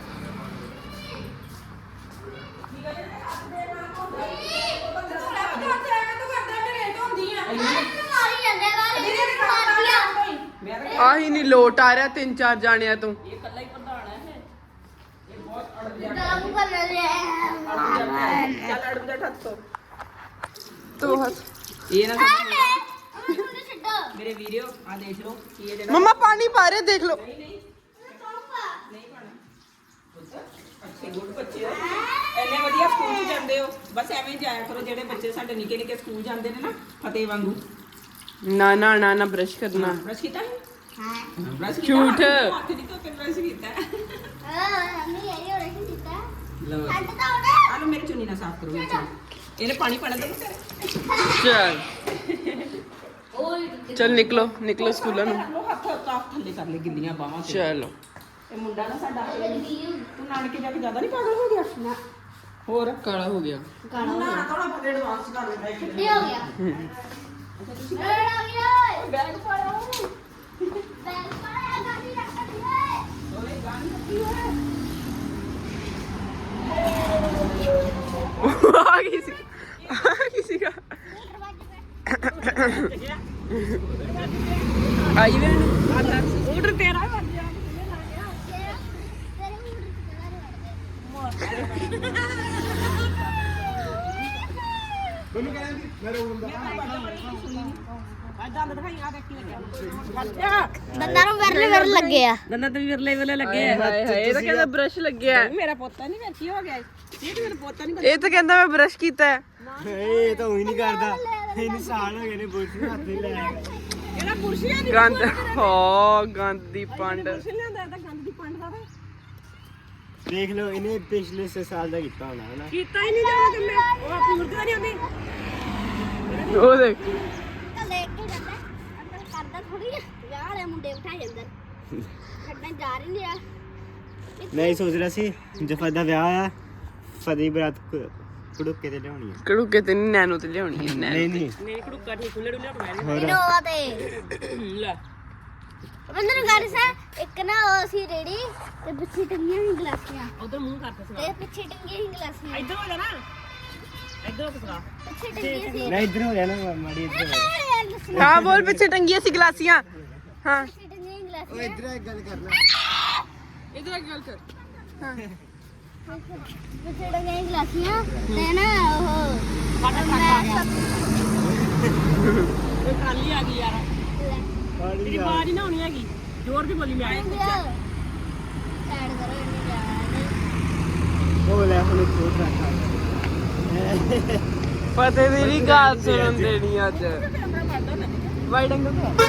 Speaker 2: ਮਾਰੀ ਜਾਂਦੇ ਵਾਲੇ ਮਾਰੀਆ
Speaker 1: ਆਹੀ ਨਹੀਂ ਲੋਟ ਆ ਰਿਹਾ ਤਿੰਨ ਚਾਰ ਜਾਣਿਆਂ ਤੋਂ
Speaker 5: ਇਹ ਇਕੱਲਾ ਹੀ ਪ੍ਰਧਾਨ ਹੈ ਇਹ ਇਹ ਬਹੁਤ ਅੜ ਗਿਆ
Speaker 2: ਗਰਮ ਕਰ ਲੈ
Speaker 5: ਚੱਲ ਅੜ ਜਾ ਹੱਥ ਤੋਂ
Speaker 1: ਤੋ ਹੱਥ
Speaker 5: ਇਹ ਨਾ ਸਮਝ
Speaker 2: ਉਹਨੂੰ ਛੱਡੋ
Speaker 5: ਮੇਰੇ ਵੀਡੀਓ ਆ ਦੇਖ ਲਓ ਕੀ ਇਹ ਜਿਹੜਾ
Speaker 1: ਮੰਮਾ ਪਾਣੀ ਪਾ ਰਹੇ ਦੇਖ ਲਓ
Speaker 5: ਨਹੀਂ ਨਹੀਂ ਨਹੀਂ ਪਾਣਾ ਅੱਛੇ ਗੁੱਡ ਬੱਚੇ ਹੋ ਇੰਨੇ ਵਧੀਆ ਸਕੂਲ 'ਚ ਜਾਂਦੇ ਹੋ ਬਸ ਐਵੇਂ ਹੀ ਜਾਇਆ ਕਰੋ ਜਿਹੜੇ ਬੱਚੇ ਸਾਡੇ ਨਿੱਕੇ ਨਿੱਕੇ ਸਕੂਲ ਜਾਂਦੇ ਨੇ ਨਾ ਫਤਿਹ ਵਾਂਗੂ
Speaker 1: ਨਾ ਨਾ ਨਾ ਨਾ ਬ੍ਰਸ਼ ਕਰਨਾ
Speaker 5: ਬ੍ਰਸ਼ ਕੀਤਾ ਹੈ
Speaker 2: ਹਾਂ
Speaker 5: ਬ੍ਰਸ਼
Speaker 1: ਝੂਠ।
Speaker 5: ਹੱਥ ਨਹੀਂ ਧੋਤੇ ਬ੍ਰਸ਼ ਕੀਤਾ
Speaker 2: ਹਾਂ ਮੰਮੀ ਇਹ ਹੋਣਾ ਕੀ ਕੀਤਾ
Speaker 5: ਲਓ
Speaker 2: ਹੱਟ ਤਾਂ ਉਹਨੇ
Speaker 5: ਆ ਲਓ ਮੇਰੀ ਚੁੰਨੀ ਨਾਲ ਸਾਫ਼ ਕਰੋ ਮੇਰੀ ਚੁੰਨੀ ਇਹਨੇ ਪਾਣੀ ਪਾਣਾ ਦੇ
Speaker 1: ਚਲ
Speaker 2: ਓਏ
Speaker 1: ਚਲ ਨਿਕਲੋ ਨਿਕਲੋ ਸਕੂਲਾਂ ਨੂੰ
Speaker 5: ਲੋ ਹੱਥ ਕਾਫ ਥੱਲੇ ਕਰ ਲੈ ਗਿੱਲੀਆਂ ਬਾਹਾਂ ਤੇ
Speaker 1: ਚਲੋ
Speaker 5: ਇਹ ਮੁੰਡਾ ਨਾ ਸਾਡਾ ਤੂੰ ਨਾਨਕੇ ਜਾ ਕੇ ਜ਼ਿਆਦਾ ਨਹੀਂ ਪਾਗਲ ਹੋ ਗਿਆ ਨਾ ਹੋਰ
Speaker 1: ਕਾਲਾ ਹੋ ਗਿਆ
Speaker 2: ਕਾਲਾ ਹੋ
Speaker 5: ਨਾ ਥੋੜਾ ਬਹੁਤ ਐਡਵਾਂਸ ਕਰ ਲੈਂਦਾ ਹੈ
Speaker 2: ਛੁੱਟੀ ਹੋ ਗਿਆ ਲੜ ਆ ਗਿਆ
Speaker 5: ਬੈਗ ਪਾਇਆ
Speaker 2: ਬੈਗ ਪਾਇਆ ਗਾੜੀ ਰੱਖ ਦਿਏ
Speaker 5: ਓਏ ਗਾਣੀ ਰੱਖੀ ਹੋਏ
Speaker 1: ਆ ਗਈ ਸੀ ਆ ਗਈ ਸੀਗਾ ਆਈ ਵੇ
Speaker 5: ਆਰਡਰ ਤੇਰਾ ਹੈ ਵੱਜ ਜਾ
Speaker 2: ਤੇਰੇ ਮੂਡ ਤੇ
Speaker 4: ਮੈਨੂੰ ਕਹਿੰਦੀ ਮੇਰੇ ਹੁੰਦਾ
Speaker 5: ਆ ਦੰਦ ਦਿਖਾਈ ਆ ਦੇਖ ਕੀ ਲੱਗਿਆ
Speaker 2: ਦੰਦਾਂ ਨੂੰ ਵਿਰਲੇ ਵਿਰਲੇ ਲੱਗੇ ਆ
Speaker 5: ਦੰਦਾਂ ਤੇ ਵਿਰਲੇ ਵਿਰਲੇ ਲੱਗੇ
Speaker 1: ਹਾਏ ਹਾਏ ਇਹ ਤਾਂ ਕਹਿੰਦਾ ਬ੍ਰਸ਼ ਲੱਗਿਆ ਹੈ।
Speaker 5: ਮੇਰਾ ਪੋਤਾ ਨਹੀਂ ਵੇਖੀ ਹੋ ਗਿਆ ਇਹ ਤੇ ਮੇਰਾ ਪੋਤਾ ਨਹੀਂ
Speaker 1: ਇਹ ਤਾਂ ਕਹਿੰਦਾ ਮੈਂ ਬ੍ਰਸ਼ ਕੀਤਾ ਹੈ।
Speaker 3: ਇਹ ਤਾਂ ਉਹੀ ਨਹੀਂ ਕਰਦਾ ਇਹਨੂੰ ਸਾਲ ਹੋ ਗਏ ਨੇ ਬੁਰਸ਼ ਨੂੰ ਹੱਥ ਨਹੀਂ ਲਾਇਆ
Speaker 5: ਇਹਦਾ ਬੁਰਸ਼ੀਆਂ ਨਹੀਂ
Speaker 1: ਗੰਦ ਹੋ ਗੰਦ ਦੀ ਪੰਡ
Speaker 5: ਬੁਰਸ਼ ਲਿਆਂਦਾ ਇਹਦਾ ਗੰਦ ਦੀ ਪੰਡ ਦਾ ਤੇ
Speaker 3: ਦੇਖ ਲਓ ਇਹਨੇ ਪਿਛਲੇ ਛੇ ਸਾਲ ਦਾ ਕੀਤਾ ਹੋਣਾ ਹਨਾ
Speaker 5: ਕੀਤਾ ਹੀ ਨਹੀਂ ਜਾਣਾ ਕਿ ਮੈਂ ਉਹ ਆਪਣੀ ਮੁਰਗਾ ਨਹੀਂ ਆਉਂਦੀ
Speaker 1: ਉਹ ਦੇਖ
Speaker 2: ਤਾਂ ਲੈ ਕੇ ਜਾਂਦਾ ਅੰਦਰ ਕਰਦਾ ਥੋੜੀ ਵਿਆਹ ਵਾਲੇ ਮੁੰਡੇ ਬਿਠਾ ਜਾਂਦਾ ਛੱਡਣ ਜਾ ਰਹੀ ਨਹੀਂ ਆ
Speaker 3: ਮੈਂ ਇਹ ਸੋਚ ਰਿਹਾ ਸੀ ਜਫਾ ਦਾ ਵਿਆਹ ਆ ਫਦੀ ਬਰਾਤ ਕੁੜੁੱਕੇ ਤੇ ਲਿਆਉਣੀ ਆ
Speaker 1: ਕੜੂਕੇ ਤੇ ਨੀ, ਨੈਨੋ ਤੇ ਲਿਆਉਣੀ ਹੈ ਨੈਨੋ
Speaker 3: ਨਹੀਂ ਨਹੀਂ
Speaker 5: ਨਹੀਂ ਕੜੂਕਾ ਠੀਕ ਖੁੱਲੇ ਡੁੱਲੇ ਉਠਾਇਆ
Speaker 3: ਹੋਰ
Speaker 2: ਇਨੋਵਾ ਤੇ
Speaker 5: ਲੈ
Speaker 2: ਬੰਦਰ ਗੱਲ ਸਾ ਇੱਕ ਨਾ ਉਹ ਸੀ ਰੇੜੀ ਤੇ ਪਿੱਛੇ ਟੰਗੀਆਂ ਸੀ ਗਲਾਸੀਆਂ
Speaker 5: ਉਧਰ ਮੂੰਹ ਕਰਦਾ ਸੀ
Speaker 2: ਤੇ ਪਿੱਛੇ ਟੰਗੀਆਂ ਸੀ ਗਲਾਸੀਆਂ
Speaker 5: ਇੱਧਰ ਹੋ ਜਾ ਨਾ ਇੱਧਰ ਕਿਸਰਾ
Speaker 2: ਪਿੱਛੇ ਟੰਗੀਆਂ ਸੀ
Speaker 3: ਮੈਂ ਇੱਧਰ ਹੋ ਗਿਆ ਨਾ ਮਾੜੀ ਇੱਧਰ ਹੋ
Speaker 2: ਯਾਰ ਦੱਸਣਾ
Speaker 1: ਹਾਂ ਬੋਲ ਪਿੱਛੇ ਟੰਗੀਆਂ ਸੀ ਗਲਾਸੀਆਂ ਹਾਂ
Speaker 2: ਪਿੱਛੇ ਟੰਗੀਆਂ ਸੀ ਗਲਾਸੀਆਂ
Speaker 3: ਇੱਧਰ ਇੱਕ ਗੱਲ ਕਰਨਾ
Speaker 1: ਇਧਰ ਆ ਗੱਲ ਕਰ ਹਾਂ
Speaker 2: ਪਿੱਛੇ ਟੰਗੀਆਂ ਸੀ ਗਲਾਸੀਆਂ ਤੇ ਨਾ ਉਹ ਮੈਂ
Speaker 5: ਇਹ ਕਾਲੀ ਆ ਗਈ ਯਾਰ
Speaker 3: ਕਾਲੀ
Speaker 5: ਤੇਰੀ
Speaker 3: ਯਾਰ
Speaker 5: ਆਵਾਜ਼ ਨਾ ਹੋਣੀ ਹੈਗੀ ਜ਼ੋਰ ਦੀ ਬੋਲੀ ਮੈਂ
Speaker 2: ਸਾਈਡ ਕਰੋ ਇੰਨੀ ਜਾ
Speaker 3: ਉਹ ਲੈ ਹੁਣ ਖੋਟ ਰੱਖਾ
Speaker 1: ਪਤੇ ਦੀ ਵੀ ਗੱਲ ਸੁਣਨ ਦੇਣੀ ਅੱਜ ਵਾਈਡ ਐਂਗਲ
Speaker 2: ਤੇ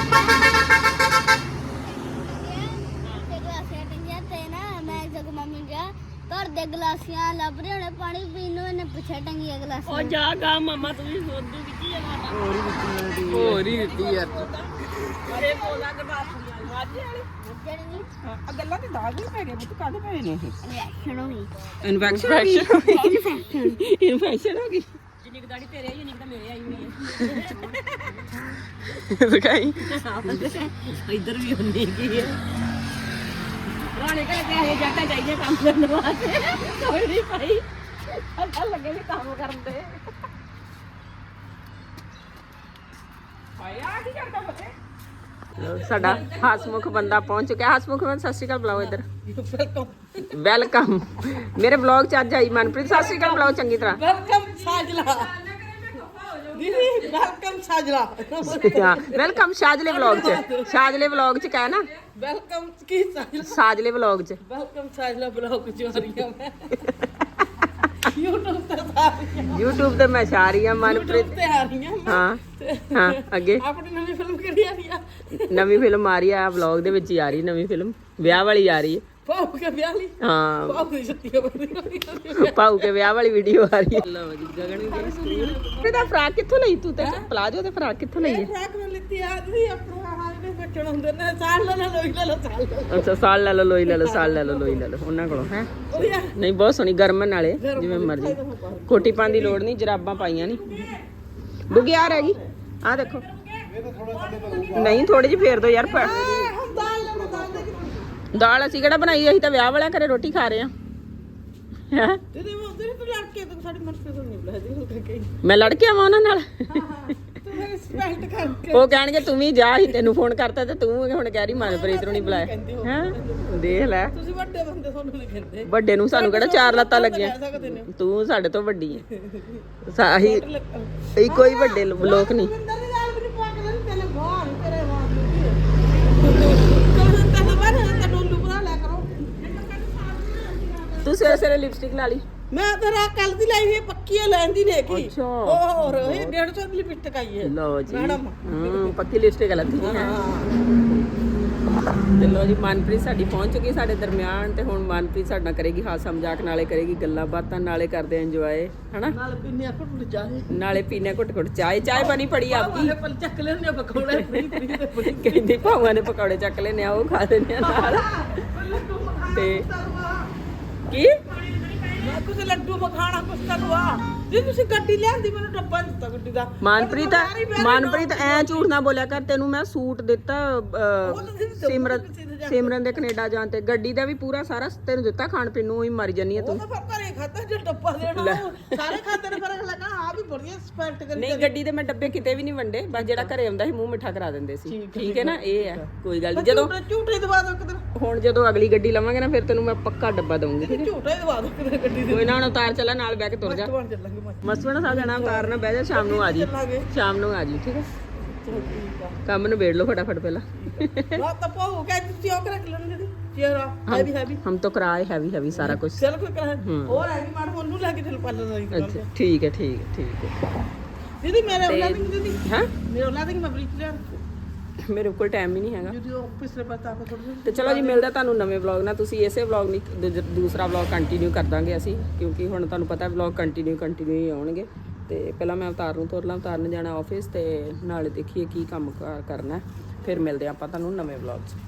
Speaker 2: ਗਲਾਸੀਆਂ ਟੰਗੀਆਂ ਤੇ ਨਾ ਮੈਂ ਜਗ ਮੰਮੀ ਗਿਆ ਘਰ ਦੇ ਗਲਾਸੀਆਂ ਲੱਭ ਰਹੇ ਹੋਣੇ ਪਾਣੀ ਪੀਣ ਨੂੰ ਇਹਨੇ ਪਿੱਛੇ ਟੰਗੀਆਂ ਗਲਾਸੀਆਂ
Speaker 5: ਉਹ ਜਾ ਗਾ ਮਾਮਾ ਤੂੰ ਵੀ ਸੋਦੂ ਕਿੱਥੇ ਆ ਮਾਤਾ
Speaker 3: ਹੋਰ ਹੀ ਦਿੱਤੀ ਮੈਂ
Speaker 1: ਹੋਰ ਹੀ ਦਿੱਤੀ ਯਾਰ
Speaker 5: ਅਰੇ ਬੋਲਾ ਗਰਬਾਸ ਵਾਲੀ ਵਾਜੇ ਵਾਲੀ
Speaker 2: ਜਿਹੜੀ ਨਹੀਂ
Speaker 5: ਆ ਗੱਲਾਂ ਤੇ ਦਾਗ ਨਹੀਂ ਪੈ ਗਏ ਬੁੱਤ ਕਾਹਦੇ ਪਏ ਨੇ
Speaker 2: ਰਿਐਕਸ਼ਨ ਹੋ ਗਈ
Speaker 5: ਇਨਫੈਕਸ਼ਨ ਹੋ ਗਈ ਇਨਫੈਕਸ਼ਨ ਹੋ ਗਈ ਜਿੰਨੀ ਕੁ ਦਾੜੀ ਤੇਰੇ ਆਈ ਉਨੀ ਕੁ ਤਾਂ ਮੇਰੇ ਆਈ ਹੋਈ ਹੈ
Speaker 1: ਦਿਖਾਈ
Speaker 5: ਇੱਧਰ ਵੀ ਹੁੰਦੀ ਕੀ ਹੈ ਰਾਣੇ ਘਰੇ ਤੇ ਇਹ ਜੱਟਾਂ ਚਾਹੀਏ ਕੰਮ ਕਰਨ ਵਾਸਤੇ ਕੋਈ ਨਹੀਂ ਭਾਈ ਅੱਛਾ ਲੱਗੇ ਵੀ ਕੰਮ ਕਰਨ ਦੇ ਭਾਈ ਆ ਕੀ ਕਰਦਾ ਬੱਚੇ
Speaker 1: ਸਾਡਾ ਹਸਮੁਖ ਬੰਦਾ ਪਹੁੰਚ ਚੁੱਕਿਆ ਹਸਮੁਖ ਮੈਂ ਸਤਿ ਸ਼੍ਰੀ ਅਕਾਲ ਬੁਲਾਓ ਇੱਧਰ ਵੈਲਕਮ ਮੇਰੇ ਵਲੌਗ ਚ ਅੱਜ ਆਈ ਮਨਪ੍ਰੀਤ ਸਤਿ ਸ਼੍ਰੀ ਅਕਾਲ ਬੁਲਾਓ ਚੰਗੀ ਤਰ੍ਹਾਂ
Speaker 5: ਵੈਲਕਮ ਸਾਜਲਾ ਦੀਦੀ ਵੈਲਕਮ ਸਾਜਲਾ
Speaker 1: ਹਾਂ ਵੈਲਕਮ ਸ਼ਾਜਲੇ ਵਲੌਗ ਚ ਸ਼ਾਜਲੇ ਵਲੌਗ ਚ ਕਹਿ ਨਾ
Speaker 5: ਵੈਲਕਮ ਕੀ ਸਾਜਲਾ
Speaker 1: ਸਾਜਲੇ ਵਲੌਗ ਚ
Speaker 5: ਵੈਲਕਮ ਸਾਜਲਾ ਬਲੌਗ ਚ ਆ ਰਹੀ ਹਾਂ ਮੈਂ YouTube ਤੇ ਆ ਰਹੀ ਹਾਂ
Speaker 1: YouTube ਤੇ ਮੈਂ ਛਾ ਰਹੀ ਹਾਂ ਮਨਪ੍ਰੀਤ
Speaker 5: YouTube ਤੇ ਆ ਰਹੀ ਹਾਂ ਮੈਂ
Speaker 1: ਹਾਂ ਹਾਂ ਅੱਗੇ
Speaker 5: ਆਪਣੀ ਨਵੀਂ ਫਿਲਮ ਕਿਹੜੀ ਆ ਰਹੀ ਆ
Speaker 1: ਨਵੀਂ ਫਿਲਮ ਆ ਰਹੀ ਆ ਵਲੌਗ ਦੇ ਵਿੱਚ ਹੀ ਆ ਰਹੀ ਨਵੀਂ ਫਿਲਮ ਵਿਆਹ ਵਾਲੀ ਆ ਰਹੀ ਹੈ
Speaker 5: ਪਾਉ ਕੇ ਵਿਆਹ ਲਈ
Speaker 1: ਹਾਂ
Speaker 5: ਪਾਉ ਦੀ ਛੁੱਟੀ ਹੋ
Speaker 1: ਪਾਉ ਕੇ ਵਿਆਹ ਵਾਲੀ ਵੀਡੀਓ ਆ ਰਹੀ ਹੈ। ਲਓ ਜੀ ਗਗਨ ਵੀ ਗਈ ਸਕੂਲ। ਇਹਦਾ ਫਰਾਕ ਕਿੱਥੋਂ ਲਈ ਤੂੰ ਤੇ ਪਲਾਜੋ ਤੇ ਫਰਾਕ ਕਿੱਥੋਂ ਲਈ ਹੈ?
Speaker 5: ਫਰਾਕ ਮੈਂ ਲਿੱਤੀ ਆ ਤੁਸੀਂ ਆਪਣਾ ਹਾਲ ਦੇ ਬੱਚਣ ਹੁੰਦੇ ਨੇ ਸਾਲ ਲੈ ਲਓ ਲੋਈ ਲੈ ਲਓ ਸਾਲ ਲੈ ਲਓ।
Speaker 1: ਅੱਛਾ ਸਾਲ ਲੈ ਲਓ ਲੋਈ ਲੈ ਲਓ ਸਾਲ ਲੈ ਲਓ ਲੋਈ ਲੈ ਲਓ ਉਹਨਾਂ ਕੋਲੋਂ ਹੈ
Speaker 5: ਵਧੀਆ
Speaker 1: ਨਹੀਂ ਬਹੁਤ ਸੋਹਣੀ ਗਰਮਨ ਨਾਲੇ ਜਿਵੇਂ ਮਰਜ਼ੀ ਕੋਟੀ ਪਾਉਣ ਦੀ ਲੋੜ ਨਹੀਂ ਜਰਾਬਾਂ ਪਾਈਆਂ ਨਹੀਂ ਬੁਗਿਆਰ ਹੈਗੀ ਆ ਦੇਖੋ ਨਹੀਂ ਥੋੜੀ ਜਿਹੀ ਫੇਰ ਦੋ ਯਾਰ ਪ-
Speaker 5: ਹੁਣ ਦਾਲ ਲੈ ਲਓ, ਦਾਲ ਦੇ
Speaker 1: ਦਾਲ ਅਸੀਂ ਕਿਹੜਾ ਬਣਾਈ ਅਸੀਂ ਤਾਂ ਵਿਆਹ ਵਾਲਿਆਂ ਘਰੇ ਰੋਟੀ ਖਾ ਰਹੇ ਆ ਹੈ
Speaker 5: ਤੇ ਉਹ ਤੇ ਤੂੰ ਲੜ ਕੇ ਤੂੰ ਸਾਡੀ ਮਰਜ਼ੀ ਤੋਂ ਨਹੀਂ ਬੁਲਾਦੀ ਹੋ ਕੇ
Speaker 1: ਮੈਂ ਲੜ ਕੇ ਆਵਾਂ ਉਹਨਾਂ ਨਾਲ
Speaker 5: ਤੂੰ ਮੇਰੇ ਰਿਸਪੈਕਟ ਕਰਕੇ
Speaker 1: ਉਹ ਕਹਿਣਗੇ ਤੂੰ ਵੀ ਜਾ ਹੀ ਤੈਨੂੰ ਫੋਨ ਕਰਤਾ ਤੇ ਤੂੰ ਹੁਣ ਕਹਿ ਰਹੀ ਮਨਪ੍ਰੀਤ ਨੂੰ ਨਹੀਂ ਬੁਲਾਇਆ ਹੈ ਦੇਖ ਲੈ ਤੁਸੀਂ
Speaker 5: ਵੱਡੇ ਬੰਦੇ ਤੁਹਾਨੂੰ ਨਹੀਂ ਕਹਿੰਦੇ
Speaker 1: ਵੱਡੇ ਨੂੰ ਸਾਨੂੰ ਕਿਹੜਾ ਚਾਰ ਲੱਤਾਂ ਲੱਗੀਆਂ
Speaker 5: ਕਹਿ ਸਕਦੇ ਨੇ
Speaker 1: ਤੂੰ ਸਾਡੇ ਤੋਂ ਵੱਡੀ ਹੈ ਸਾਹੀ ਇਹ ਕੋਈ ਵੱਡੇ ਲੋਕ ਨਹੀਂ
Speaker 5: ਮਿੰਦਰ ਦੀ ਦਾਲ ਵੀ ਨਹੀਂ ਪਾ ਕੇ ਦਿੰਦੇ ਤੇਰੇ ਬਾਹਰ ਤੇਰੇ ਬਾਹਰ ਤੂੰ ਤੈਨੂੰ ਬਾਹਰ ਤੇ ਡੋਲੂ ਬਣਾ ਲਿਆ ਕਰੋ
Speaker 1: ਤੂੰ ਸਵੇਰੇ ਸਵੇਰੇ ਲਿਪਸਟਿਕ ਲਾ ਲਈ
Speaker 5: ਮੈਂ ਤੇਰਾ ਕੱਲ ਦੀ ਲਾਈ ਹੋਈ ਪੱਕੀ ਹੈ ਲੈਂਦੀ ਨੇ ਕੀ
Speaker 1: ਅੱਛਾ।
Speaker 5: ਹੋਰ ਇਹ ਡੇਢ ਸੌ ਦੀ ਲਿਪਸਟਿਕ ਆਈ ਹੈ
Speaker 1: ਲਓ ਜੀ
Speaker 5: ਮੈਡਮ।
Speaker 1: ਹਾਂ ਪੱਕੀ ਲਿਪਸਟਿਕ ਲੱਤੀ ਹੈ ਤੇ ਲਓ ਜੀ ਮਨਪ੍ਰੀਤ ਸਾਡੀ ਪਹੁੰਚ ਚੁੱਕੀ ਸਾਡੇ ਦਰਮਿਆਨ ਤੇ ਹੁਣ ਮਨਪ੍ਰੀਤ ਸਾਡੇ ਨਾਲ ਕਰੇਗੀ ਹਾਸਾ ਮਜ਼ਾਕ ਨਾਲੇ ਕਰੇਗੀ ਗੱਲਾਂ ਬਾਤਾਂ ਨਾਲੇ ਕਰਦੇ ਇੰਜੋਏ ਹਨਾ
Speaker 5: ਨਾਲ ਪਿੰਨੀਆਂ ਘੁੱਟ ਜਾਏ
Speaker 1: ਨਾਲੇ ਪੀਨੇ ਘੁੱਟ ਘੁੱਟ ਚਾਹ ਚਾਹ ਬਣੀ ਪੜੀ ਆਪਕੀ
Speaker 5: ਪਲ ਚੱਕ ਲੈਣੇ ਪਕੌੜੇ ਫਰੀ ਫਰੀ ਦੇ ਫਰੀ
Speaker 1: ਕਹਿੰਦੀ ਭਾਵਾਂ ਨੇ ਪਕੌੜੇ ਚੱਕ ਲੈਨੇ ਆ ਉਹ ਖਾ ਲੈਨੇ ਆ ਨਾਲ ਤੇ ਕੀ
Speaker 5: ਮੈਂ ਕੁਝ ਲੱਡੂ ਮਖਾਣਾ ਕੁਛ ਕਰਵਾ ਜੇ ਤੁਸੀਂ ਗੱਡੀ ਲਿਆਂਦੀ ਮੈਨੂੰ ਡੱਬਾ ਦਿੱਤਾ ਗੱਡੀ ਦਾ
Speaker 1: ਮਨਪ੍ਰੀਤ ਮਨਪ੍ਰੀਤ ਐ ਝੂਠ ਨਾ ਬੋਲਿਆ ਕਰ ਤੈਨੂੰ ਮੈਂ ਸੂਟ ਦਿੱਤਾ ਅਹ, ਸਿਮਰਨ ਸਿਮਰਨ ਦੇ ਕੈਨੇਡਾ ਜਾਣ ਤੇ ਗੱਡੀ ਦਾ ਵੀ ਪੂਰਾ ਸਾਰਾ ਤੈਨੂੰ ਦਿੱਤਾ ਖਾਣ ਪੀਣ ਨੂੰ ਹੀ ਮਰ ਜਾਨੀ ਆ
Speaker 5: ਉਹ
Speaker 1: ਤੂੰ
Speaker 5: ਤਾਂ ਫਿਰ ਘਰੇ ਖਾਤਾ ਜੇ ਡੱਬਾ ਦੇਣਾ ਉਹ ਸਾਰੇ ਖਾਤੇ ਨੇ ਫਰਕ ਲੱਗਾ ਆ ਵੀ ਬੜੀਆਂ ਸਪੈਕਟ ਕਰੀ
Speaker 1: ਨਹੀਂ ਗੱਡੀ ਦੇ ਮੈਂ ਡੱਬੇ ਕਿਤੇ ਵੀ ਨਹੀਂ ਵੰਡੇ ਬਸ ਜਿਹੜਾ ਘਰੇ ਆਉਂਦਾ ਸੀ ਮੂੰਹ ਮਿੱਠਾ ਕਰਾ ਦਿੰਦੇ ਸੀ ਠੀਕ ਹੈ ਨਾ ਇਹ ਹੈ ਕੋਈ ਗੱਲ ਨਹੀਂ ਜਦੋਂ
Speaker 5: ਝੂਠੇ ਦਵਾ ਦੋ ਕਿਤੇ
Speaker 1: ਹੁਣ ਜਦੋਂ ਅਗਲੀ ਗੱਡੀ ਲਵਾਂਗੇ ਨਾ ਫਿਰ ਤੈਨੂੰ ਮੈਂ ਪੱਕਾ ਡੱਬਾ ਦਊਂਗੀ ਠੀਕ ਹੈ
Speaker 5: ਝੂਠੇ ਦਵਾ ਦੋ ਕਿਤੇ ਗੱਡੀ ਦੇ
Speaker 1: ਕੋਈ ਨਾ ਹੁਣ ਉਤਾਰ ਚੱਲਾ ਨਾਲ ਬਹਿ ਕੇ ਤੁਰ ਜਾ
Speaker 5: ਬਣ ਚੱਲਾਂਗੇ ਮੈਂ
Speaker 1: ਮਸਵਣਾ ਸਾਹਿਬ ਜਾਣਾ ਉਤਾਰਨਾ ਬਹਿ ਜਾ ਸ਼ਾਮ ਨੂੰ ਆ ਜੀ
Speaker 5: ਚੱਲਾਂਗੇ
Speaker 1: ਸ਼ਾਮ ਨੂੰ ਆ ਜੀ ਠੀਕ ਹੈ
Speaker 5: ਚਲੋ ਠੀਕ ਆ
Speaker 1: ਕੰਮ ਨੂੰ ਵੇੜ ਲਓ ਫਟਾਫਟ ਪਹਿਲਾਂ
Speaker 5: ਨਾ ਤਾਂ ਪਾਉ ਕਹਿ ਤੁਸੀਂ ਉਹ ਕਰ ਲੈਣ ਦੇ ਚਿਹਰਾ ਹੈਵੀ ਹੈਵੀ
Speaker 1: हम तो कराए हैवी हैवी सारा कुछ
Speaker 5: ਚਲ ਕੋਈ ਕਰਾ ਹੋਰ ਹੈਵੀ ਮਾਰ ਉਹਨੂੰ ਲੈ ਕੇ ਚੱਲ ਪਾਲਰ ਦਾ
Speaker 1: अच्छा ठीक है ठीक है ठीक है
Speaker 5: ਦੀਦੀ ਮੇਰੇ ਉਹਨਾਂ ਦੀ ਦੀਦੀ
Speaker 1: हैं
Speaker 5: ਮੇਰੇ ਉਹਨਾਂ ਦੀ ਮੈਂ ਬਰੀਕ ਲਿਆ
Speaker 1: मेरे कोल टाइम ही नहीं हैगा
Speaker 5: ਦੀਦੀ ਉਹ ਪਿਛਲੇ ਪਾਸੇ ਆ ਕੇ ਥੋੜੀ
Speaker 1: ਤੇ ਚਲੋ ਜੀ ਮਿਲਦਾ ਤੁਹਾਨੂੰ ਨਵੇਂ ਵਲੌਗ ਨਾਲ ਤੁਸੀਂ ਇਸੇ ਵਲੌਗ ਨਹੀਂ ਦੂਜ- ਦੂਸਰਾ ਵਲੌਗ ਕੰਟੀਨਿਊ ਕਰ ਦਾਂਗੇ ਅਸੀਂ ਕਿਉਂਕਿ ਹੁਣ ਤੁਹਾਨੂੰ ਪਤਾ ਵਲੌਗ ਕੰਟੀਨਿਊ ਕੰਟੀਨਿਊ ਹੀ ਆਉਣਗੇ ਤੇ ਪਹਿਲਾਂ ਮੈਂ ਅਵਤਾਰ ਨੂੰ ਤੁਰ ਲਾਂ ਅਵਤਾਰ ਨੇ ਜਾਣਾ ਆਫਿਸ ਤੇ ਨਾਲੇ ਦੇਖੀਏ ਕੀ ਕੰਮ ਕਾਰ ਕਰਨਾ ਹੈ। ਫਿਰ ਮਿਲਦੇ ਆਪਾਂ ਤੁਹਾਨੂੰ ਨਵੇਂ ਵਲੌਗ 'ਚ।